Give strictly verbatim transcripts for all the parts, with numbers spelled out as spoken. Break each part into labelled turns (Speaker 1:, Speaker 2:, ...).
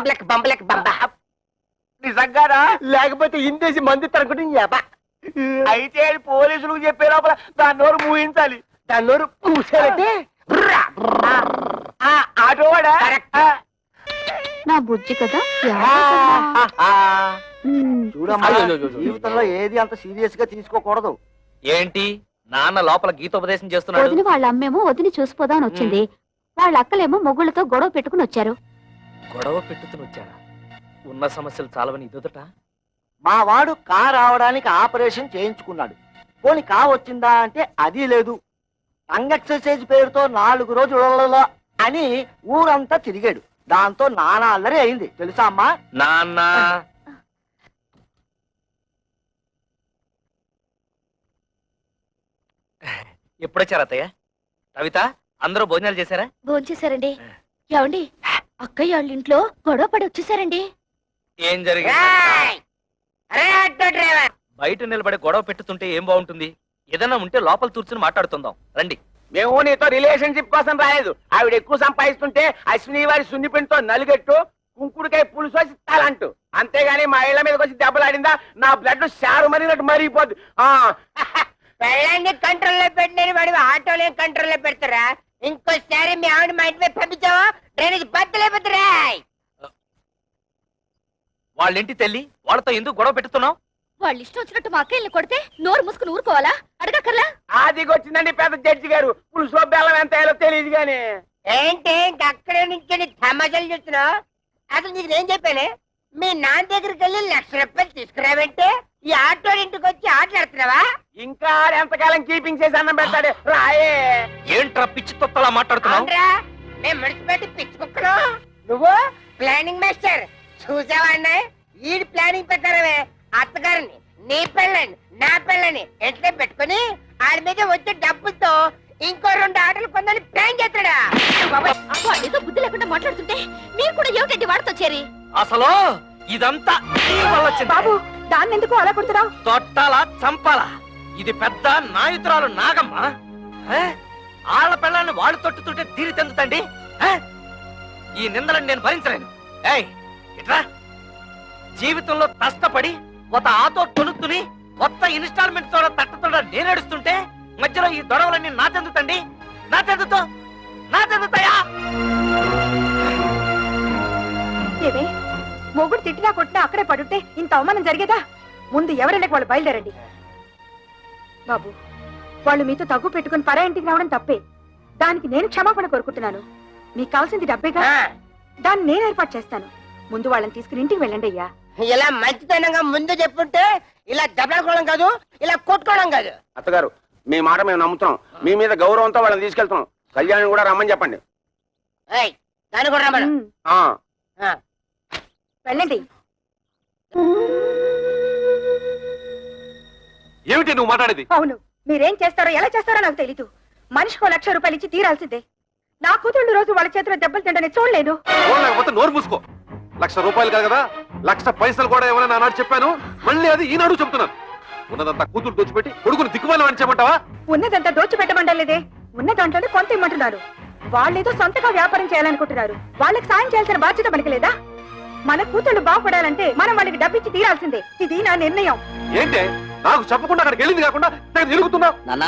Speaker 1: బంబలక్ బంబలక్ బంబ.
Speaker 2: నిజంగానా? లేకపోతే ఇందేసి మంది తనుకుంటే అయితే అది పోలీసులకు చెప్పే లోపల దాని నోరు మూయించాలి. దాని నోరు మూసారంటే ఆటోవాడా?
Speaker 3: నా బుజ్జి కదా.
Speaker 4: చూడమ్మా, జీవితంలో ఏది అంత సీరియస్ గా తీసుకోకూడదు.
Speaker 5: ఏంటి నాన్న లోపల గీతోపదేశం చేస్తున్నాడు?
Speaker 3: వదిన వాళ్ళ అమ్మేమో వదిని చూసిపోదామని వచ్చింది. వాళ్ళ అక్కలేమో మొగుళ్ళతో గొడవ పెట్టుకుని వచ్చారు.
Speaker 5: గొడవ పెట్టుకుని వచ్చారా? ఉన్న సమస్యలు చాలవని ఇదొదట.
Speaker 4: మా వాడు కా రావడానికి ఆపరేషన్ చేయించుకున్నాడు. పోని కా వచ్చిందా అంటే అది లేదు. టంగ్ ఎక్సర్సైజ్ పేరుతో నాలుగు రోజులలో అని ఊరంతా తిరిగాడు. దాంతో నానా అల్లరి అయింది తెలుసా అమ్మా?
Speaker 5: నాన్న ఎప్పుడొచ్చారు అత్తయ్య? కవిత, అందరూ భోజనాలు చేశారా?
Speaker 3: భోంచేశారండి. ఏమండి, అక్కయ్య వాళ్ళ ఇంట్లో గొడవ పడి వచ్చేసారండి.
Speaker 5: ఏం జరిగింది? బయట నిలబడి గొడవ పెట్టుతుంటే ఏం బాగుంటుంది? ఏదైనా ఉంటే లోపల కూర్చుని మాట్లాడుతుందాం రండి.
Speaker 2: మేము నీతో రిలేషన్షిప్ కోసం రాలేదు. ఆవిడ ఎక్కువ సంపాదిస్తుంటే అశ్విని వారి సున్నిపిండితో నలుగెట్టు కుంకుడుకాయ పులుసు వచ్చి తలంటూ, అంతేగాని మా ఇళ్ల మీదకి వచ్చి దెబ్బలాడిందా నా బ్లడ్ షారు మరినట్టు మరిగిపోద్ది.
Speaker 1: పెళ్ళాన్ని కంట్రోల్లో పెట్టిన వాడు ఆటోలే కంట్రోల్లో పెడతారా? ఇంకోసారి మీ ఆవిడ మా ఇంటి వైపు పంపించావా డ్రైనేజ్ బద్దలైపోతారా?
Speaker 5: వాళ్ళింటి తెల్లి వాళ్ళతో ఎందుకు గొడవ పెట్టుతున్నావు?
Speaker 3: వాళ్ళు ఇష్టం వచ్చినట్టు మా అక్కయ్యని కొడితే నోరు మూసుకుని ఊరుకోవాలా? అడగక్కర్లా?
Speaker 2: ఆదిగొచ్చిందండి పెద్ద జడ్జి గారు. పులుసులో బెల్లం ఎంత అయ్యాలో తెలియదు గాని.
Speaker 1: ఏంటి అక్కడే నుంచి తమాషాలు చూస్తున్నావు? అసలు నీకు నేను చెప్పానే, మీ నాన్న దగ్గరికి వెళ్ళి లక్ష రూపాయలు తీసుకురావంటే ఈ ఆటో ఇంటికి వచ్చి ఆటలాడుతున్నావా?
Speaker 2: ఇంకా ఎంతకాలం కీపింగ్ చేసి అన్నం పెడతాడు రాయే.
Speaker 5: ఏంట్రా పిచ్చి తొత్తలా మాట్లాడుతున్నావు?
Speaker 1: మేము మున్సిపాలిటీ పిచ్చి కుక్కలు, నువ్వు ప్లానింగ్ మాస్టర్. చూసావా అన్నాయి ఈ ప్లానింగ్ ప్రకారమే అత్తగారిని నీ పెళ్ళని నా పెళ్ళని ఎట్లా పెట్టుకుని ఆడి మీద వచ్చే డబ్బులతో ఇంకో రెండు ఆటలు కొందని ప్లాన్ చేస్తాడా?
Speaker 3: ఏదో బుద్ధి లేకుండా మాట్లాడుతుంటే మీరు కూడా ఏమిటండి వాడితో చేరి?
Speaker 5: అసలు ఇదంతా నీ వల్ల వచ్చింది.
Speaker 3: బాబు, దాన్ని ఎందుకు అలా కొడుతున్నావు?
Speaker 5: తొట్టాలా చంపాలా? ఇది పెద్ద నాయుతురాలు నాగమ్మ. ఆళ్ల పెళ్ళాన్ని వాళ్ళు తొట్టుతుంటే తీరి తెందుతండి. ఈ నిందలను నేను భరించలేను. ఏయ్ ఇట్రా, జీవితంలో కష్టపడి ఒక ఆటో తొలుతుని కొత్త ఇన్స్టాల్మెంట్ తోడ తట్టతోడ నేనేడుస్తుంటే మధ్యలో ఈ దొడవలన్నీ నా తెందుతండి. నా తెందుతో నా తెందుతాయా?
Speaker 3: ఏమే, మొగుడు తిట్టినా కొట్టినా అక్కడే పడుంటే ఇంత అవమానం జరిగేదా? ముందు ఎవరైనా వాళ్ళు బయలుదేరండి. బాబు, వాళ్ళు మీతో తగ్గు పెట్టుకుని పరా ఇంటికి రావడం తప్పే. దానికి నేను క్షమాపణ కోరుకుంటున్నాను. మీకు కావాల్సింది డబ్బేగా, దాన్ని నేను ఏర్పాటు చేస్తాను. ముందు వాళ్ళని తీసుకుని ఇంటికి వెళ్ళండి అయ్యా.
Speaker 1: ఇలా మంచితనంగా ముందు చెప్పుంటే ఇలా దెబ్బలాడుకోవడం కాదు, ఇలా కొట్టుకోవడం కాదు.
Speaker 2: అత్తగారు, మీ మాట మేము నమ్ముతున్నాం. మీ మీద గౌరవంతో వాళ్ళని తీసుకెళ్తున్నాం. కళ్యాణ్ కూడా రమ్మని చెప్పండి.
Speaker 1: దాన్ని కూడా రమ్మను.
Speaker 3: వెళ్ళండి.
Speaker 6: ఏమిటి నువ్వు మాట్లాడేది?
Speaker 3: అవును, మీరేం చేస్తారో ఎలా చేస్తారో నాకు తెలీదు. మనిషికో లక్ష రూపాయలు ఇచ్చి తీరాల్సిందే. నా కూతుళ్ళు రోజు వాళ్ళ చేతిలో దెబ్బలు తింటని చూడలేదు.
Speaker 6: లేకపోతే నోరు మూసుకో. లక్ష రూపాయలు కాదు కదా, లక్ష పైసలు కూడా ఏమైనా నాడు చెప్పాను. మళ్ళీ అది ఈనాడు చెప్తున్నాను. ఉన్నదంతా కూతురు దోచిపెట్టి కొడుకుని దిక్కుమాలి అని చెప్పమంటావా?
Speaker 3: ఉన్నదంతా దోచిపెట్టమంటలేదే, ఉన్న దాంట్లోనే కొంత ఇమ్మంటున్నారు. వాళ్ళేదో సొంతగా వ్యాపారం చేయాలనుకుంటున్నారు. వాళ్ళకి సాయం చేయాల్సిన బాధ్యత మనకి లేదా? మన కూతుళ్ళు బాగుపడాలంటే మనం వాళ్ళకి డబ్బిచ్చి తీరాల్సిందే. ఇది నా నిర్ణయం.
Speaker 6: ఏంటే నాకు చెప్పకుండా అక్కడికి వెళ్ళింది కాకుండా తిరుగుతున్నా?
Speaker 5: నాన్నా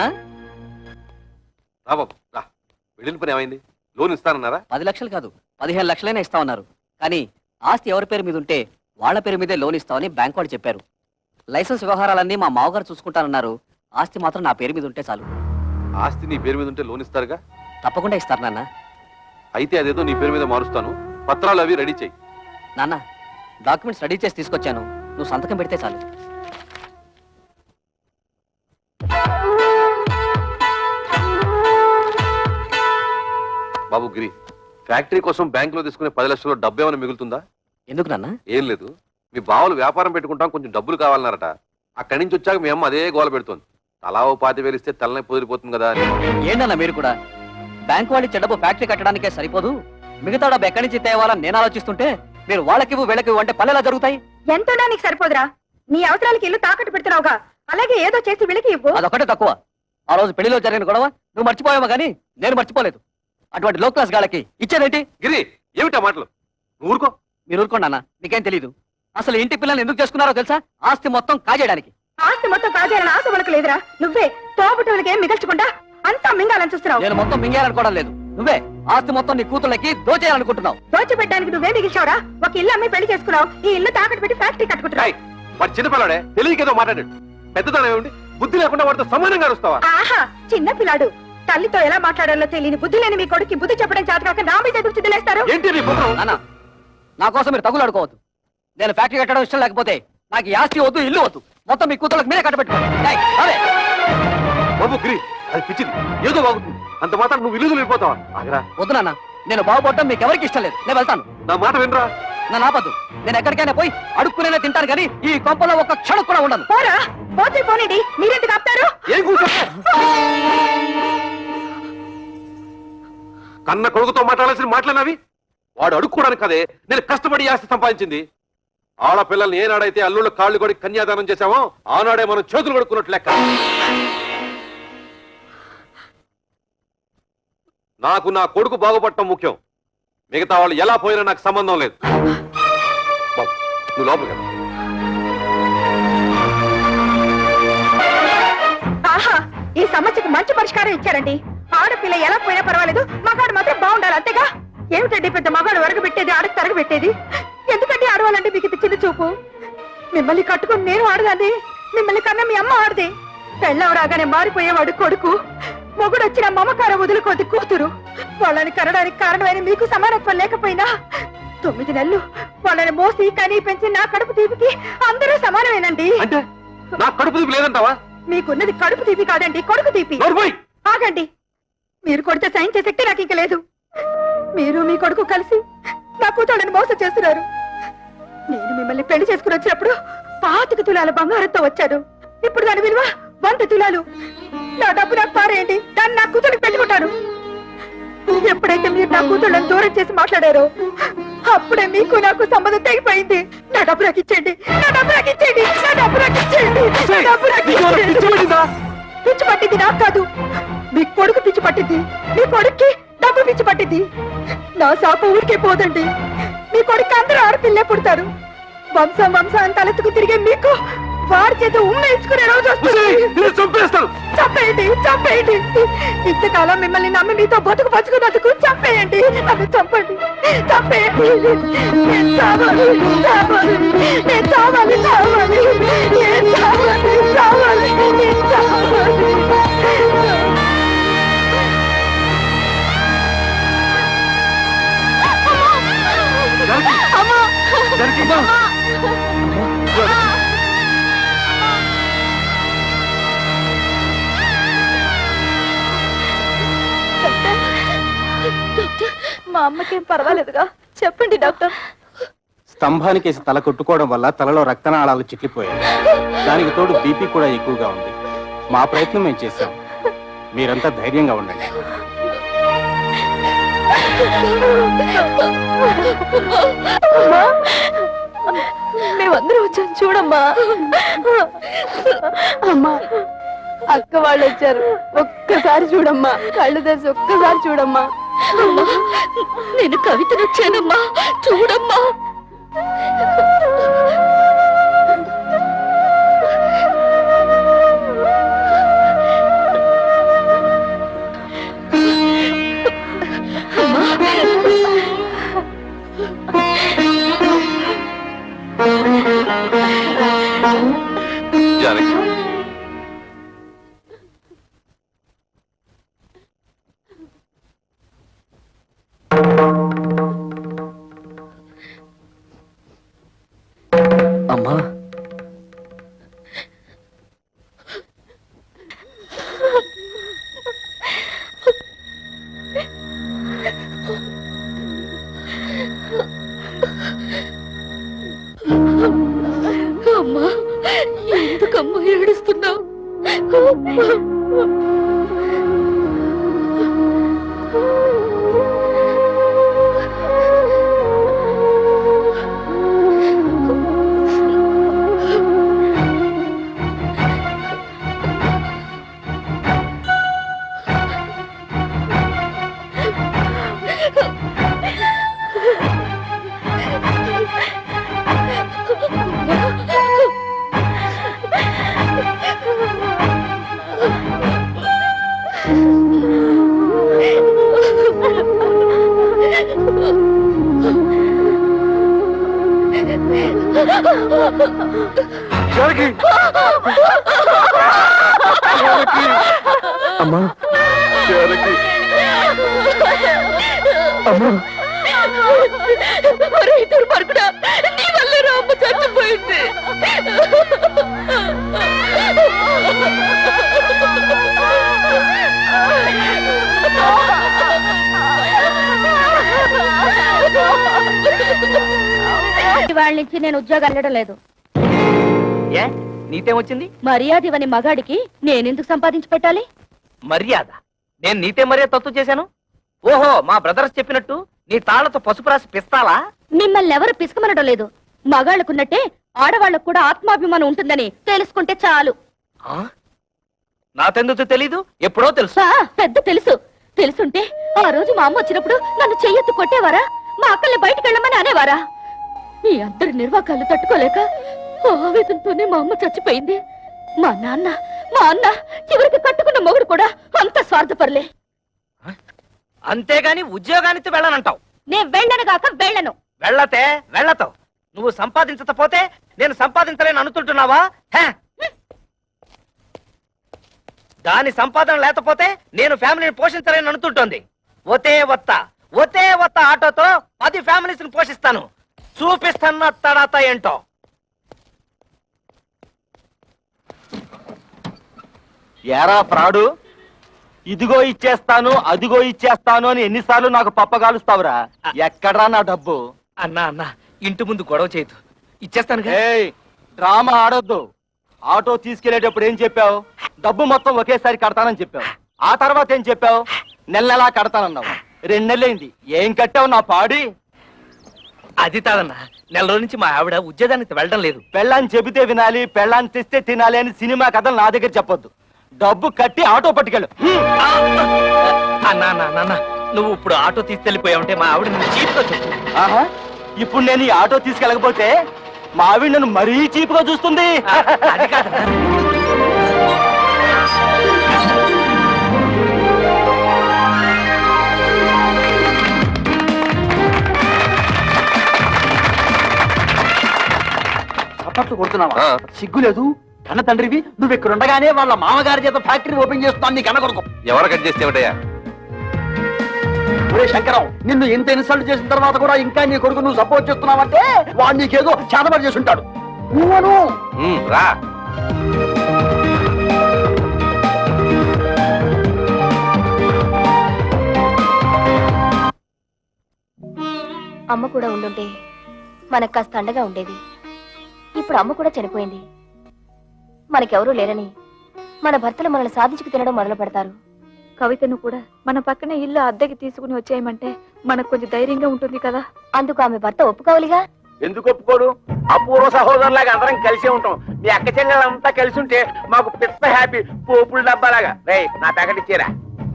Speaker 6: రా బాబు రా. వెళ్ళిన పని ఏమైంది? లోన్ ఇస్తానన్నారా?
Speaker 5: పది లక్షలు కాదు, పదిహేను లక్షలైనా ఇస్తామన్నారు. కానీ ఆస్తి ఎవరి పేరు మీద ఉంటే వాళ్ళ పేరు మీదే లోన్ ఇస్తామని బ్యాంక్ వాడు చెప్పారు. లైసెన్స్ వ్యవహారాలన్నీ మా మామగారు చూసుకుంటానన్నారు. ఆస్తి మాత్రం నా పేరు మీద ఉంటే చాలు.
Speaker 6: ఆస్తి నీ పేరు మీద ఉంటే లోన్ ఇస్తారుగా?
Speaker 5: తప్పకుండా ఇస్తారు నాన్న.
Speaker 6: అయితే అదేదో నీ పేరు మీద మారుస్తాను. పత్రాలు అవి రెడీ చెయ్యి.
Speaker 5: నాన్న, డాక్యుమెంట్స్ రెడీ చేసి తీసుకొచ్చాను. నువ్వు సంతకం పెడితే చాలు.
Speaker 6: బాబు గిరి, ఫ్యాక్టరీ కోసం బ్యాంక్ లో తీసుకునే పది లక్షల డబ్బు ఏమైనా మిగులుతుందా?
Speaker 5: ఎందుకు నాన్న?
Speaker 6: ఏం లేదు, మీ బావలు వ్యాపారం పెట్టుకుంటాం, కొంచెం డబ్బులు కావాలన్నారట. అక్కడి నుంచి వచ్చాక మీ అమ్మ అదే గోల పెడుతోంది. తలా ఓ పాతి వేలిస్తే తలనే పొదిరిపోతుంది కదా.
Speaker 5: ఏంటన్నా మీరు కూడా? బ్యాంక్ వాళ్ళు చెడ్డపు ఫ్యాక్టరీ కట్టడానికే సరిపోదు, మిగతా డబ్బు ఎక్కడి నుంచి తేవాలని నేను ఆలోచిస్తుంటే మీరు వాళ్ళకి వీళ్ళకి అంటే పల్లెలా జరుగుతాయి.
Speaker 3: ఎంతో నీకు సరిపోదురా? నీ అవసరాలకి ఇల్లు తాకట్టు పెడుతున్నావుగా, అలాగే ఏదో చేసి వీళ్ళకి ఇవ్వు.
Speaker 5: అదొకటే తక్కువ. ఆ రోజు పెళ్లిలో జరిగిన గొడవ నువ్వు మర్చిపోయావా కానీ నేను మర్చిపోలేదు. అటువంటి లో క్లాస్ గాళ్ళకి ఇచ్చేదేంటి?
Speaker 6: గిరి, ఏమిటా మాటలు? నువ్వు ఊరుకో.
Speaker 5: మీరు ఊరుకోండి అన్న, మీకేం తెలీదు. అసలు ఇంటి పిల్లల్ని ఎందుకు చేసుకున్నారో తెలుసా? ఆస్తి మొత్తం కాజేయడానికి.
Speaker 3: ఆస్తి మొత్తం కాజేయాలని ఆశ మనకు లేదురా. నువ్వే తోబుట్టువులకి ఏం మిగల్చకుండా అంతా మింగాలని చూస్తున్నావు.
Speaker 5: నేను మొత్తం మింగేయాలనుకోవడం లేదు. నువ్వే ఆస్తి మొత్తం నీ కూతుళ్ళకి దోచేయాలనుకుంటున్నావు.
Speaker 3: దోచిపెట్టడానికి నువ్వే మిగిల్చావురా. ఒక ఇల్లు అమ్మి పెళ్లి చేసుకున్నావు. ఈ ఇల్లు తాకట్టు పెట్టి ఫ్యాక్టరీ కట్టుకుంటున్నావు.
Speaker 6: ఏయ్, వాడు చిన్నపిల్లాడే, తెలియకేదో మాట్లాడాడు. పెద్దతనం ఏమిటి? బుద్ధి లేకుండా వాడితో సమానంగా అరుస్తావా?
Speaker 3: ఆహా, చిన్న పిల్లాడు. తల్లితో ఎలా మాట్లాడాలో తెలియని బుద్ధి లేని మీ కొడుకు బుద్ధి చెప్పడం చేత కాక నా మీద ఎదురు చిద్దులేస్తారు.
Speaker 6: ఏంటి నీ పుత్రం?
Speaker 5: నాన్న, నా కోసం మీరు తగులాడుకోవద్దు. నేను ఫ్యాక్టరీ కట్టడం ఇష్టం లేకపోతే నాకు ఈ ఆస్తి వద్దు, ఇల్లు వద్దు. మొత్తం మీ కూతుళ్ళకి మీరే కట్టబెట్టుకోండి. ఏయ్, అదే
Speaker 6: బాబు గిరి, అది పిచ్చిది, ఏదో బాగుంటుంది. అంత మాత్రం నువ్వు ఇల్లు వెళ్ళిపోతావా? ఆగరా.
Speaker 5: వద్దు నాన్న, నేను బాగుపడటం మీకు ఎవరికి ఇష్టం లేదు. నేను వెళ్తాను.
Speaker 6: నా మాట వినరా?
Speaker 5: నా నాపద్దు. నేను ఎక్కడికైనా పోయి అడుక్కునే తింటాను కానీ ఈ కొంపలో ఒక్క క్షణం కూడా ఉండను.
Speaker 3: పోరా, పోతే పోనండి. మీరెందుకు ఆపుతారు?
Speaker 6: ఏం కూర్చో కన్న కొడుకుతో మాట్లాడాల్సిన మాట్లాడినవి వాడు అడుక్కోవడానికి కదే నేను కష్టపడి ఆస్తి సంపాదించింది. ఆడపిల్లల్ని ఏనాడైతే అల్లుళ్ళు కాళ్ళు కొడి కన్యాదానం చేశామో ఆనాడే మనం చేతులు కొడుకున్నట్లు లెక్క. నాకు నా కొడుకు బాగుపడటం ముఖ్యం. మిగతా వాళ్ళు ఎలా పోయినా నాకు సంబంధం లేదు. బాబు, నువ్వు లోపలికి రా.
Speaker 3: ఆహా, ఈ సమస్యకు మంచి పరిష్కారం ఇచ్చారండి. ఆడపిల్ల ఎలా పోయినా పర్వాలేదు, మగాడు మాత్రం బాగుండాలి, అంతేగా. ఏమిటండి పెద్ద మగాడు వరకు పెట్టేది, ఆడకు తరగ పెట్టేది? ఎందుకంటే ఆడవాళ్ళంటే మీకు ఇది చిన్న చూపు? మిమ్మల్ని కట్టుకుని నేను ఆడదాన్ని, మిమ్మల్ని కన్నా మీ అమ్మ ఆడదే. పెళ్ళవ రాగానే మారిపోయేవాడు కొడుకు, మొగుడు వచ్చిన మమకారం వదులుకోద్ది కూతురు. వాళ్ళని కనడానికి కారణమైన మీకు సమానత్వం లేకపోయినా తొమ్మిది నెలలు వాళ్ళని మోసి కనీ పెంచి నా కడుపు తీపికి అందరూ సమానమేనండి.
Speaker 6: అంటే నా కడుపు తీపి లేదంటావా?
Speaker 3: మీకున్నది కడుపు తీపి కాదండి, కొడుకు తీపి.
Speaker 6: నోర్మోయ్!
Speaker 3: ఆగండి. మీరు కొడితే సైన్ చేసే శక్తి నాకు ఇంక లేదు. మీరు మీ కొడుకు కలిసి నా కూతుళ్ళని మోసం చేస్తున్నారు. నేను మిమ్మల్ని పెళ్లి చేసుకుని వచ్చినప్పుడు పాతిక తులాల బంగారంతో వచ్చాను. ఇప్పుడు దాని విలువ వంద తులాలు. నా డబ్బు నాకు పారేయండి, దాన్ని నా కూతురికి పెట్టుకుంటాను. ఎప్పుడైతే మీరు నా కూతుళ్ళని దూరం చేసి మాట్లాడారో అప్పుడే మీకు నాకు సంబంధం తెగిపోయింది. నా డబ్బు నాకు ఇచ్చేయండి, నా డబ్బు నాకు ఇచ్చేయండి, నా డబ్బు నాకు ఇచ్చేయండి, నా డబ్బు నాకు ఇచ్చేయండి. పిచ్చి పట్టింది నాకు కాదు, మీ కొడుకు పిచ్చి పట్టింది. మీ కొడుక్కి డబ్బు పిచ్చి పట్టింది. నా శాప ఊరికే పోదండి. మీ కొడుకు అందరూ ఆడపిల్లే పుడతారు. వంశం వంశాన్ని తలెత్తుకు తిరిగే మీకు వారి చేత ఉమ్మేయించుకునే రోజు వస్తుంది.
Speaker 6: చంపేస్తాను.
Speaker 3: చంపేయండి, చంపేయండి. ఇంతకాలం మిమ్మల్ని నమ్మి మీతో బతుకు పంచుకున్నందుకు చంపేయండి. నన్ను చంపండి, చంపేయండి. నేను చావాలి, చావాలి, నేను చావాలి, చావాలి, నేను చావాలి, చావాలి, నేను చావాలి. అమ్మా, మా అమ్మకేం పర్వాలేదుగా? చెప్పండి డాక్టర్.
Speaker 7: స్తంభానికేసి తల కొట్టుకోవడం వల్ల తలలో రక్తనాళాలు చిట్లిపోయాయి. దానికి తోడు బీపీ కూడా ఎక్కువగా ఉంది. మా ప్రయత్నం మేము చేశాం. మీరంతా ధైర్యంగా ఉండండి.
Speaker 3: మేమందరం వచ్చాం, చూడమ్మా. అమ్మా, అక్క వాళ్ళు వచ్చారు, ఒక్కసారి చూడమ్మా. కళ్ళు తెరిచి ఒక్కసారి చూడమ్మా. నేను కవితను వచ్చానమ్మా, చూడమ్మా.
Speaker 6: జానకి,
Speaker 5: అమ్మా,
Speaker 3: అమ్మా, ఎందుకమ్మా ఏడుస్తున్నావు?
Speaker 6: జానకి జానకి అమ్మా జానకి అమ్మా
Speaker 3: దుర్మార్గుడా, నీ వల్ల రామ్మ చచ్చిపోయింది.
Speaker 8: వాళ్ళ నుంచి నేను ఉద్యోగం వెళ్ళడం లేదు.
Speaker 5: ఏ నీతేమొచ్చింది?
Speaker 8: మర్యాద ఇవని మగాడికి నేనెందుకు సంపాదించి పెట్టాలి?
Speaker 5: మర్యాద? నేను నీతే మర్యాద తత్తు చేశాను? ఓహో, మా బ్రదర్స్ చెప్పినట్టు నీ తాళ్లతో పసుపు రాసి పిస్తాలా?
Speaker 8: మిమ్మల్ని ఎవరు పిసుకమనడం లేదు. మగాళ్ళకున్నట్టే ఆడవాళ్ళకు కూడా ఆత్మాభిమానం ఉంటుందని తెలుసుకుంటే చాలు.
Speaker 5: ఆ? నాకెందుకు తెలీదు? ఎప్పుడో తెలుసు.
Speaker 8: ఆ, పెద్ద తెలుసు. తెలుసుంటే ఆ రోజు మా అమ్మ వచ్చినప్పుడు నన్ను చెయ్యెత్తు కొట్టేవారా? మా అక్కల్ని బయటికి వెళ్ళమని అనేవారా? మీ అందరి నిర్వాకాలు తట్టుకోలేక ఆవేదనతోనే మా అమ్మ చచ్చిపోయింది. మా నాన్న మా అన్న చివరికి కట్టుకున్న మొగుడు కూడా అంత స్వార్థపరలే.
Speaker 5: అంతేగాని ఉద్యోగానికి వెళ్ళనంటావు?
Speaker 8: నేను వెళ్ళను గాక వెళ్ళను.
Speaker 5: వెళ్ళతే వెళ్ళతావు. నువ్వు సంపాదించకపోతే నేను సంపాదించలేను అనుకుంటున్నావా? హే? దాని సంపాదన లేకపోతే నేను ఫ్యామిలీని పోషించలేను అనుకుంటోంది. ఒతే వత్త ఒతే వత్త ఆటోతో పది ఫ్యామిలీస్ ని పోషిస్తాను. చూపిస్తున్న తడాత ఏంటో.
Speaker 4: ఎరా ప్రాడు, ఇదిగో ఇచ్చేస్తాను అదిగో ఇచ్చేస్తాను అని ఎన్నిసార్లు నాకు పప్పగాలుస్తావురా? ఎక్కడ్రా నా డబ్బు?
Speaker 5: అన్నా అన్నా, ఇంటి ముందు గొడవ చేయదు, ఇచ్చేస్తాను.
Speaker 4: ఏయ్, డ్రామా ఆడొద్దు. ఆటో తీసుకెళ్లేటప్పుడు ఏం చెప్పావు? డబ్బు మొత్తం ఒకేసారి కడతానని చెప్పావు. ఆ తర్వాత ఏం చెప్పావు? నెల నెలా కడతానన్నావు. రెండు నెలలైంది, ఏం కట్టావు నా పాడి?
Speaker 5: అది కాదన్నా, నెల రోజుల నుంచి మా ఆవిడ ఉద్యోగానికి వెళ్ళడం లేదు.
Speaker 4: పెళ్ళాన్ని చెబితే వినాలి, పెళ్ళాన్ని తెస్తే తినాలి అని సినిమా కథలు నా దగ్గర చెప్పొద్దు. డబ్బు కట్టి ఆటో పట్టుకెళ్ళు.
Speaker 5: అన్నా అన్నా నాన్న, నువ్వు ఇప్పుడు ఆటో తీసుకెళ్లిపోయావంటే మా ఆవిడ నువ్వు చీప్గా చెప్పు.
Speaker 4: ఆహా, ఇప్పుడు నేను ఈ ఆటో తీసుకెళ్ళకపోతే మా ఆవిడ నన్ను మరీ చీప్గా చూస్తుంది.
Speaker 5: అది కాదన్నా.
Speaker 4: చప్పట్లు కొడుతున్నావా? సిగ్గు లేదు? కన్న తండ్రివి నువ్వు ఇక్కడ ఉండగానే వాళ్ళ మామగారి చేత ఫ్యాక్టరీ ఓపెన్ చేస్తున్నాను నీ కన్న కొడుకు.
Speaker 6: ఎవరు కట్ చేస్తేమిటయ్యా?
Speaker 4: ఒరే శంకరం, నిన్ను ఇంత ఇన్సల్ట్ చేసిన తర్వాత కూడా ఇంకా నీ కొడుకు నువ్వు సపోర్ట్ చేస్తున్నావంటే వాడు నీకేదో చేతబడి చేసి ఉంటాడు. నువ్వను
Speaker 6: ఉమ్, రా.
Speaker 8: అమ్మ కూడా ఉండుంటే మనకు కాస్త అండగా ఉండేది. ఇప్పుడు అమ్మ కూడా చనిపోయింది. మనకెవరూ లేరని మన భర్తలు మనల్ని సాధించుకు తినడం మొదలు పెడతారు.
Speaker 3: కవితను కూడా మన పక్కన ఇల్లు అద్దెకి తీసుకుని వచ్చేయమంటే మనకు కొంచెం ధైర్యంగా ఉంటుంది కదా.
Speaker 8: అందుకు ఆమె భర్త ఒప్పుకోవాలిగా.
Speaker 2: ఎందుకు ఒప్పుకోడు? అపూర్వ సహోదరులాగా అందరం కలిసే ఉంటాం. మీ అక్క చెల్లెలంతా కలిసి ఉంటే మాకు పిత్త హ్యాపీ. పోపుల డబ్బాలాగా. రే, నా ప్యాకెట్ ఇచ్చేరా.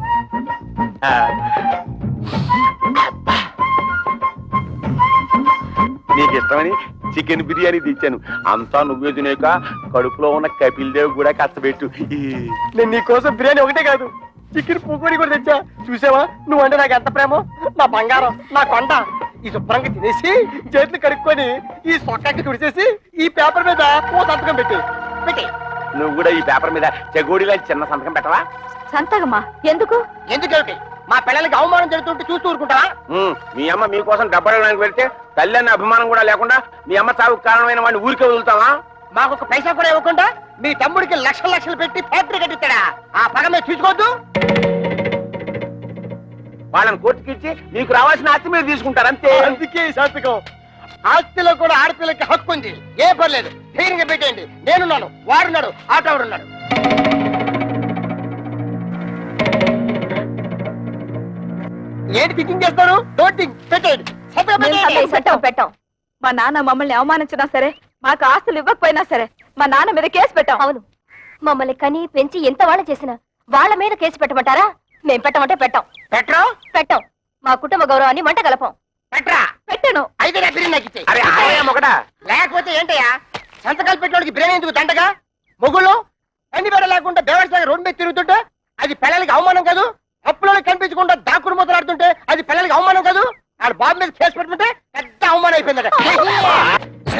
Speaker 2: నీకు ఇష్టమని చికెన్ బిర్యానీ తెచ్చాను. అంతా నువ్వే తినేక కడుపులో ఉన్న కపిల్ దేవ్ కూడా కష్టపెట్టు. నేను నీకోసం బిర్యానీ ఒకటే కాదు, చికెన్ పూకోడి కూడా తెచ్చా. చూసావా నువ్వంటే నాకు ఎంత ప్రేమో? నా బంగారం, నా కొండ. ఈ శుభ్రంగా తినేసి చేతులు కడుక్కొని ఈ సొక్కకి తుడిచేసి ఈ పేపర్ మీద ఓ సంతకం పెట్టి పెట్టి నువ్వు కూడా ఈ పేపర్ మీద చెగోడిలా చిన్న సంతకం పెట్టవా?
Speaker 3: సంతకమా? ఎందుకు?
Speaker 1: ఎందుకేమిటి? మా పిల్లలకి అవమానం జరుగుతుంటే చూస్తూ ఊరుకుంటావా?
Speaker 2: మీ అమ్మ మీకోసం డబ్బడానికి వెళ్తే తల్లి అన్న అభిమానం కూడా లేకుండా మీ అమ్మ చావుకు కారణమైన వాడిని ఊరికే వదులుతావా?
Speaker 1: మాకు ఒక పైసా కూడా ఇవ్వకుండా మీ తమ్ముడికి లక్షలు లక్షలు పెట్టి ఫ్యాక్టరీ కట్టిస్తాడా? ఆ పగ మీద చూసుకోవద్దు.
Speaker 2: వాళ్ళని కోర్టుకి ఇచ్చి మీకు రావాల్సిన ఆస్తి మీరు తీసుకుంటారు అంతే.
Speaker 1: అందుకే ఈ సంతకం. ఆస్తిలో కూడా ఆడపిల్లకి హక్కు ఉంది. ఏ పర్లేదు, ధైర్యంగా పెట్టేయండి. నేనున్నాను, వాడున్నాడు, ఆటోడున్నాడు. ఏంటి థింకింగ్ చేస్తారు? డోంట్ థింక్, పెట్టేయండి. సంతకం పెట్టేయండి.
Speaker 3: పెట్టాం పెట్టాం మా నాన్న మమ్మల్ని అవమానించినా సరే, మాకు ఆస్తులు ఇవ్వకపోయినా సరే మా నాన్న మీద కేసు పెట్టాం.
Speaker 8: అవును, మమ్మల్ని కని పెంచి ఎంత వాళ్ళ చేసినా వాళ్ళ మీద కేసు పెట్టమంటారా? మేం పెట్టమంటే పెట్టాం.
Speaker 1: పెట్టరా?
Speaker 8: పెట్టాం. మా కుటుంబ గౌరవాన్ని మంట కలపం.
Speaker 1: పెట్టరా?
Speaker 3: పెట్టాను.
Speaker 1: అయితే నా బిర్యానీ నాకు ఇచ్చేయ్.
Speaker 2: అరే ఆలయం ఒకటా?
Speaker 1: లేకపోతే ఏంటయ్యా సంతకాలు పెట్టినోడికి బిర్యానీ ఎందుకు దండగా? మొగుళ్ళు అన్ని బెడ లేకుండా బేవర్సాగా రోడ్డు మీద తిరుగుతుంటే అది పిల్లలకి అవమానం కాదు? అప్పులో కనిపించకుండా దాక్కుడు మొదలాడుతుంటే అది పిల్లలకి అవమానం కాదు? ఆడ బాబు మీద కేసు పెట్టుకుంటే పెద్ద అవమానం అయిపోయిందట.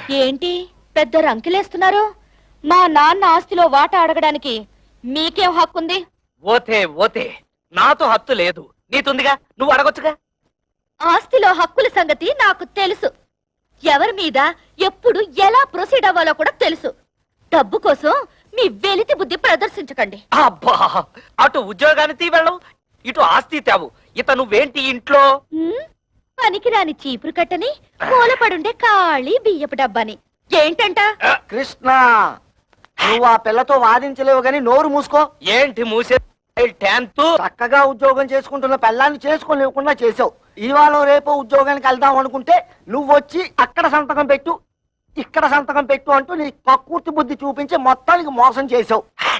Speaker 8: ఏంటి పెద్ద రంకెలేస్తున్నారు? మా నాన్న ఆస్తిలో వాటా అడగడానికి మీకేం హక్కుంది?
Speaker 5: ఓతే ఓతే నాతో హత్తు లేదు, నీతుందిగా, నువ్వు అడగొచ్చుగా.
Speaker 8: ఆస్తిలో హక్కుల సంగతి నాకు తెలుసు. ఎవరి మీద ఎప్పుడు ఎలా ప్రొసీడ్ అవ్వాలో కూడా తెలుసు. డబ్బు కోసం మీ వెలితి బుద్ధి ప్రదర్శించకండి.
Speaker 5: అబ్బా, అటు ఉద్యోగాన్ని తీవెళ్ళవు, ఇటు ఆస్తి తేవు. ఇత నువ్వేంటి ఇంట్లో?
Speaker 8: ఉమ్, పనికిరాని చీపురు కట్టని, మూలపడుండే ఖాళీ బియ్యపు డబ్బాని. ఏంటంట?
Speaker 4: కృష్ణ, నువ్వు ఆ పిల్లతో వాదించలేవు గాని నోరు మూసుకో.
Speaker 5: ఏంటి మూసే టెన్త్?
Speaker 4: చక్కగా ఉద్యోగం చేసుకుంటున్న పిల్లాన్ని చేసుకోలేకుండా చేసావు. ఇవాళ రేపు ఉద్యోగానికి వెళ్దాం అనుకుంటే నువ్వు వచ్చి అక్కడ సంతకం పెట్టు, ఇక్కడ సంతకం పెట్టు అంటూ నీ కక్కుర్తి బుద్ధి చూపించి మొత్తానికి మోసం చేసావు.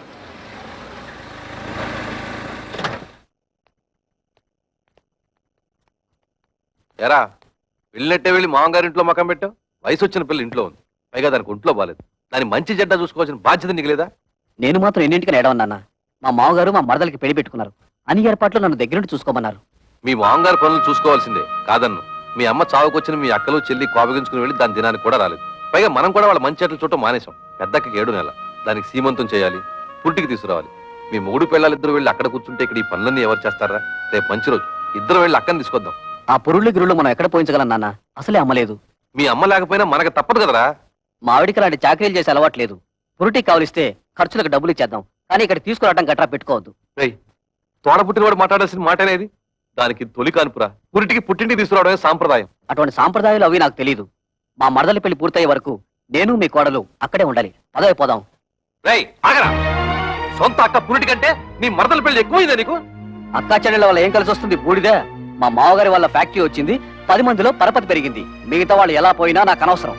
Speaker 6: ఎరా వెళ్ళినట్టే వెళ్ళి మామగారి ఇంట్లో మకం పెట్టావు. వయసు వచ్చిన పిల్ల ఇంట్లో ఉంది, పైగా దానికి ఒంట్లో బాలేదు. దాని మంచి చెడ్డ చూసుకోవాల్సిన బాధ్యత నీకు లేదా?
Speaker 9: నేను మాత్రం ఎన్నింటికి ఏడవన్నానా? మా మామగారు మా మరదలకి పెళ్లి పెట్టుకున్నారు. అన్ని ఏర్పాట్లు నన్ను దగ్గరుండి చూసుకోమన్నారు.
Speaker 6: మీ మామగారి పనులు చూసుకోవాల్సిందే కాదన్ను. మీ అమ్మ చావుకొచ్చిన మీ అక్కలు చెల్లి కోపగించుకుని వెళ్ళి దాని దినానికి కూడా రాలేదు. పైగా మనం కూడా వాళ్ళ మంచి చెట్లు చూడటం మానేశాం. పెద్దక్కకి ఏడు నెల, దానికి సీమంతం చేయాలి, పుట్టికి తీసుకురావాలి. మీ మూడు పిల్లలిద్దరు వెళ్ళి అక్కడ కూర్చుంటే ఇక్కడ ఈ పనులన్నీ ఎవరు చేస్తారా? రేపు మంచి రోజు, ఇద్దరు వెళ్ళి అక్కని తీసుకొద్దాం.
Speaker 9: ఆ పురుళ్ళు గిరుళ్ళు మనం ఎక్కడ పోయించగలం నాన్న? అసలే అమ్మలేదు.
Speaker 6: మీ అమ్మ లేకపోయినా మనకు తప్పదు కదరా.
Speaker 9: మా ఆవిడికి అలాంటి చాకరీలు చేసే అలవాట్లేదు. పురుటికి కావలిస్తే ఖర్చులకు డబ్బులు ఇచ్చేద్దాం, కానీ ఇక్కడ తీసుకురావడం గట్రా పెట్టుకోవద్దు.
Speaker 6: రేయ్, తోడ పుట్టినవాడు మాట్లాడాల్సిన మాట అనేది. దానికి తొలి కానుపురా, పురిటికి పుట్టింటికి తీసుకురావడమే సాంప్రదాయం.
Speaker 9: అటువంటి సాంప్రదాయాలు అవి నాకు తెలియదు. మా మరదలి పెళ్లి పూర్తయ్యే వరకు నేను మీ కోడలు అక్కడే ఉండాలి. పదవి పోదాం.
Speaker 6: రేయ్ ఆగరా, సొంత అక్క పురిటి కంటే నీ మరదల పెళ్లి ఎక్కువైందా నీకు?
Speaker 9: అక్కా చెల్లెళ్ళ వల్ల ఏం కలిసి వస్తుంది? బూడిదే. మా మామగారి వల్ల ఫ్యాక్టరీ వచ్చింది, పది మందిలో పరపతి పెరిగింది. మిగతా వాళ్ళు ఎలా పోయినా నాకు అనవసరం.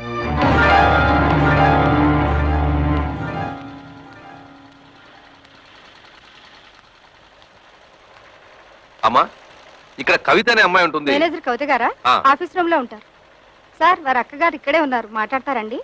Speaker 6: అమ్మా, ఇక్కడ కవిత అనే అమ్మాయి ఉంటుంది.
Speaker 3: మేనేజర్ కవిత గారా?
Speaker 6: ఆ.
Speaker 3: ఆఫీస్ రూమ్ లో ఉంటారు. సార్, వారి అక్కగారు ఇక్కడే ఉన్నారు, మాట్లాడతారండి.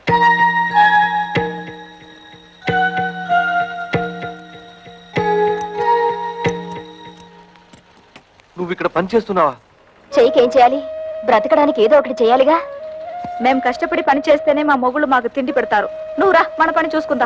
Speaker 6: నువ్వు ఇక్కడ పని చేస్తున్నావా?
Speaker 8: చెయ్యికేం చేయాలి? బ్రతకడానికి ఏదో ఒకటి చేయాలిగా.
Speaker 3: మేము కష్టపడి పని చేస్తేనే మా మొగుళ్ళు మాకు తిండి పెడతారు. నువ్వు రా, మన పని చూసుకుందాం.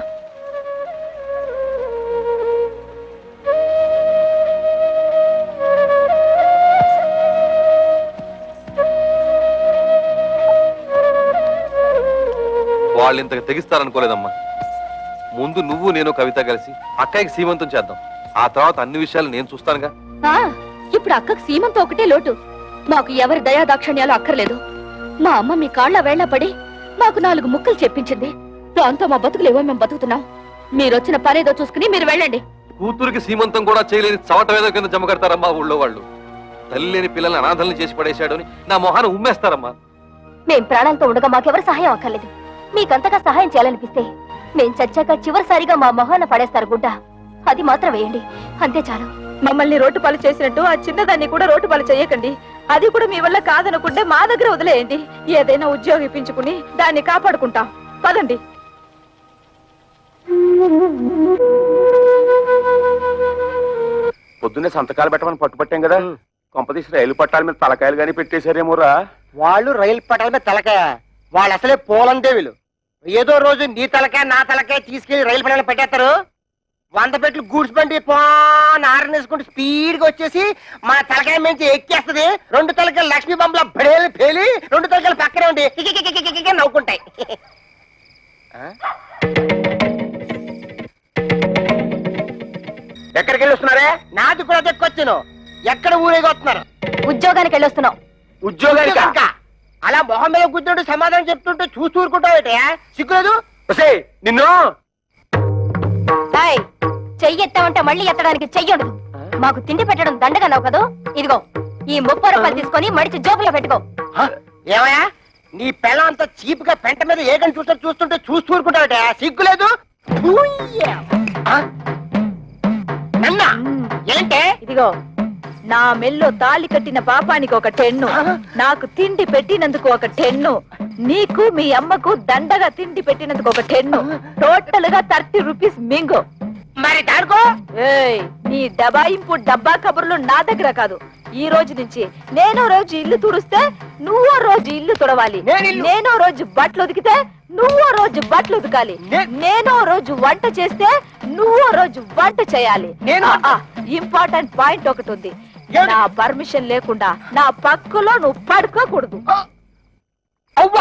Speaker 6: వాళ్ళు ఇంతకు తెగిస్తారనుకోలేదమ్మా. ముందు నువ్వు నేను కవిత కలిసి అక్కయ్యకి సీమంతం చేద్దాం. ఆ తర్వాత అన్ని విషయాలు నేను చూస్తానుగా.
Speaker 8: ఆ, ఇప్పుడు అక్కకు సీమంతో ఒకటే లోటు. మాకు ఎవరి దయా దాక్షణ్యాలు అక్కర్లేదు. మా అమ్మ మీ కాళ్ళ వేళ్ల పడి మాకు నాలుగు ముక్కలు చెప్పించింది. దాంతో మా బతుకులేవో మేము బతుకుతున్నాం. మీరొచ్చిన పనేదో చూసుకుని మీరు వెళ్ళండి.
Speaker 6: కూతురికి సీమంతం కూడా చేయలేని చవట వేద కింద జమ కడతారమ్మా ఊళ్ళో వాళ్ళు. తల్లి లేని పిల్లల్ని అనాథల్ని చేసి పడేశాడు అని నా మొహాన్ని ఉమ్మేస్తారమ్మా.
Speaker 8: మేం ప్రాణాలతో ఉండగా మాకెవరు సహాయం అక్కర్లేదు. మీకంతగా సహాయం చేయాలనిపిస్తే మేం చచ్చాక చివరిసారిగా మా మొహాన పడేస్తారు గుడ్డ. అది మాత్రం వేయండి, అంతే చాలు.
Speaker 3: మమ్మల్ని రోడ్డు పాలు చేసినట్టు ఆ చిన్నదాన్ని కూడా రోడ్డు పాలు చేయకండి. అది కూడా మీ వల్ల కాదనుకుంటే మా దగ్గర వదిలేయండి. ఏదైనా ఉద్యోగం ఇప్పించుకుని దాన్ని కాపాడుకుంటాం. పదండి.
Speaker 2: పొద్దున్నే సంతకాలు పెట్టమని పట్టుపట్టాం కదా, కొంపదీసి రైలు పట్టాల మీద తలకాయలు గానీ పెట్టేశారేమోరా.
Speaker 4: వాళ్ళు రైలు పట్టాల మీద తలకాయ, వాళ్ళు అసలే పోలందేవులు. ఏదో రోజు నీ తలకాయ నా తలకాయ తీసుకెళ్లి రైలు పట్టాల పెట్టేస్తారు. వంద పెట్లు గూడ్స్ బండి ఆరనేసుకుంటూ స్పీడ్ గా వచ్చేసి మన తలకాయ నుంచి ఎక్కేస్తది. రెండు తలకాయలు లక్ష్మీ బొమ్మల బడేలు పేలి రెండు తలకాయలు పక్కనే ఉండి కికికికికికికి నవ్వుకుంటాయి.
Speaker 2: ఎక్కడికి వెళ్ళి వస్తున్నారే?
Speaker 4: నాది కూడా దక్కొచ్చాను. ఎక్కడ ఊరేగి వస్తున్నారు?
Speaker 8: ఉద్యోగానికి వెళ్ళొస్తున్నాం.
Speaker 2: ఉద్యోగానికి
Speaker 4: ఇంకా అలా మొహం మీద కూర్చుంటూ సమాధానం చెప్తుంటే చూస్తూ ఊరుకుంటావు. సిగ్గులేదు?
Speaker 2: ఒసేయ్, నిన్ను
Speaker 8: హాయ్, చెయ్యి ఎత్తామంటే మళ్ళీ ఎత్తడానికి చెయ్యడు. మాకు తిండి పెట్టడం దండగన్నావు కదూ. ఇదిగో ఈ ముప్పై రూపాయలు తీసుకొని మడిచి జోబులో పెట్టుకో.
Speaker 4: ఏమయ్యా, నీ పిల్లం అంతా చీప్ గా పెంట మీద ఏకని చూస్తూ చూస్తుంటే చూస్తూ ఊరుకుంటావుట. సిగ్గులేదు? నన్నా ఏంటే?
Speaker 3: ఇదిగో, నా మెల్లో తాళి కట్టిన పాపానికి ఒక టెన్ను, నాకు తిండి పెట్టినందుకు ఒక టెన్ను, నీకు మీ అమ్మకు దండగా తిండి పెట్టినందుకు ఒక టెన్ను. టోటల్ గా థర్టీ రూపీస్ మింగు.
Speaker 4: మరి దాడుకో.
Speaker 3: ఏయ్, నీ డబాయింపు డబ్బా కబుర్లు నా దగ్గర కాదు. ఈ రోజు నుంచి నేనో రోజు ఇల్లు తుడిస్తే నువ్వో రోజు ఇల్లు తుడవాలి.
Speaker 4: నేను ఇల్లు-
Speaker 3: నేనో రోజు బట్టలు ఉతికితే
Speaker 8: నువ్వో రోజు బట్టలు ఉతకాలి నేనో రోజు వంట చేస్తే నువ్వో రోజు వంట చేయాలి
Speaker 1: నేను
Speaker 8: ఇంపార్టెంట్ పాయింట్ ఒకటి ఉంది నా పర్మిషన్ లేకుండా నా పక్కలో నువ్వు పడుకోకూడదు
Speaker 1: అవ్వా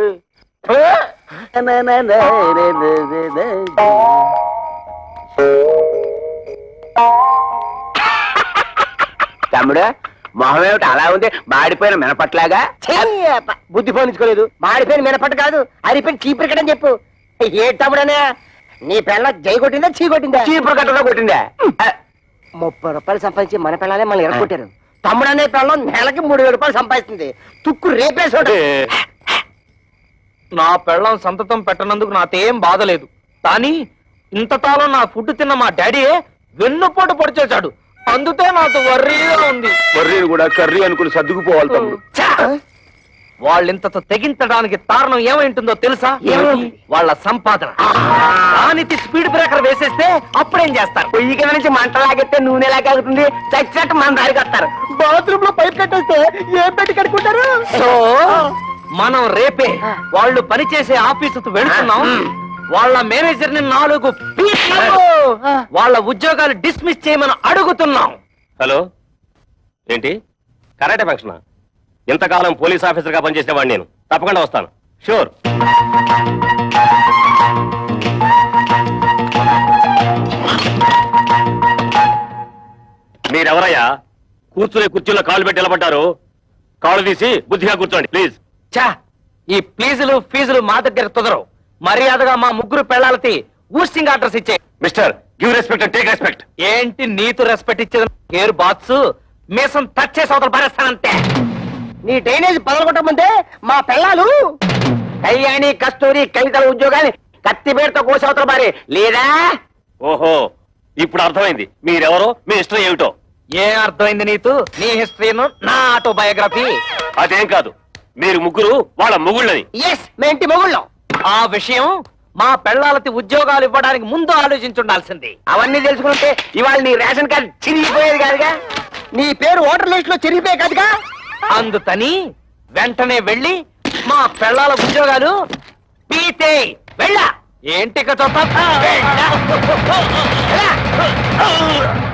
Speaker 2: తమ్ముడు మొహం ఏమిటి అలా ఉంది మాడిపోయిన మినపట్లాగా
Speaker 1: బుద్ధి పోనించుకోలేదు మాడిపోయిన మినపట్టు కాదు అరిపోయిన చీపురు కట్టని చెప్పు ఏ తమ్ముడనే నీ పిల్ల జై కొట్టిందా చీ కొట్టిందా
Speaker 2: చీపురు కట్టలో కొట్టిందా
Speaker 1: ముప్పై రూపాయలు సంపాదించి మన పిల్లలే మనం ఎరగొట్టారు తమ్ముడు అనే పిల్లం నెలకి మూడు వేల రూపాయలు సంపాదిస్తుంది తుక్కు రేపేసోడు
Speaker 5: నా పెళ్ళం సంతతం పెట్టనందుకు నాకేం బాధ లేదు కానీ ఇంతకాలం నా ఫుడ్ తిన్న మా డాడీయే వెన్నుపోటు పొడిచేశాడు అందుకే నాకు వర్రీగా ఉంది
Speaker 2: వర్రీని కూడా కర్రీ అనుకుని సర్దుకుపోవాలి తమ్ముడు
Speaker 5: వాళ్ళింతతో తెగించడానికి కారణం ఏమైంటుందో తెలుసా
Speaker 1: ఏమైంది?
Speaker 5: వాళ్ళ సంపాదన దానికి స్పీడ్ బ్రేకర్ వేసేస్తే అప్పుడేం చేస్తారు
Speaker 2: పొయ్యి కింద నుంచి మంట లాగెత్తే నూనె లాగాగుతుంది చచ్చినట్టు మన దారికి వస్తారు
Speaker 1: బాత్రూమ్ లో పైప్ కట్టేస్తే ఏం పెట్టి కట్టుకుంటారు
Speaker 5: సో మనం రేపే వాళ్ళు పనిచేసే ఆఫీసుకు వెళ్తున్నాం వాళ్ళ మేనేజర్ ని నాలుగు పీకలు, వాళ్ళ ఉద్యోగాలు డిస్మిస్ చేయమని అడుగుతున్నాం.
Speaker 10: హలో ఏంటి కరాటే ఫంక్షన్ ఇంతకాలం పోలీస్ ఆఫీసర్ గా పనిచేసేవాడిని నేను తప్పకుండా వస్తాను షూర్ మీరెవరయ్యా కూర్చునే కుర్చీలో కాళ్ళు పెట్టి నిలబడ్డారు కాళ్ళు తీసి బుద్ధిగా కూర్చోండి ప్లీజ్
Speaker 5: చా ఈ ప్లీజులు ఫీజులు మా దగ్గర కుదరవు మర్యాదగా మా ముగ్గురు పెళ్ళాలకి ఊస్టింగ్ ఆర్డర్స్ ఇచ్చే.
Speaker 10: Mister give respect and take respect
Speaker 5: ఏంటి నీతు రెస్పెక్ట్ ఇచ్చేది కేర్ బాత్స్ మీసం టచ్ చేసి అవతల పారేస్తానంతే.
Speaker 1: నీ డ్రైనేజ్ పగలగొట్టమంటే మా పిల్లలు
Speaker 2: కళ్యాణి కస్తూరి కవితల ఉద్యోగాన్ని కత్తి పేరుతో కోసవతల బారి లేదా
Speaker 10: ఓహో ఇప్పుడు అర్థమైంది మీరెవరో మీ ఇష్టం ఏమిటో
Speaker 5: ఏం అర్థమైంది నీతు నీ హిస్టరీను నా ఆటోబయోగ్రఫీ
Speaker 10: అదేం కాదు మీరు ముగ్గురు వాళ్ళ ముగుళ్ళని
Speaker 1: ఎస్ మేంటి మొగుళ్ళం
Speaker 5: ఆ విషయం మా పెళ్ళాలకి ఉద్యోగాలు ఇవ్వడానికి ముందు ఆలోచించుండాల్సింది.
Speaker 2: అవన్నీ తెలుసుకుంటే ఇవాళ నీ రేషన్ కార్డు చిరిగిపోయేది కాదుగా
Speaker 1: నీ పేరు ఓటర్ లిస్ట్ లో చెరిగిపోయే కదగా
Speaker 5: అందుకని వెంటనే వెళ్ళి మా పెళ్ళాల ఉద్యోగాలు పీతే వెళ్ళా ఏంటి ఇక చూస్తా? వెళ్ళా.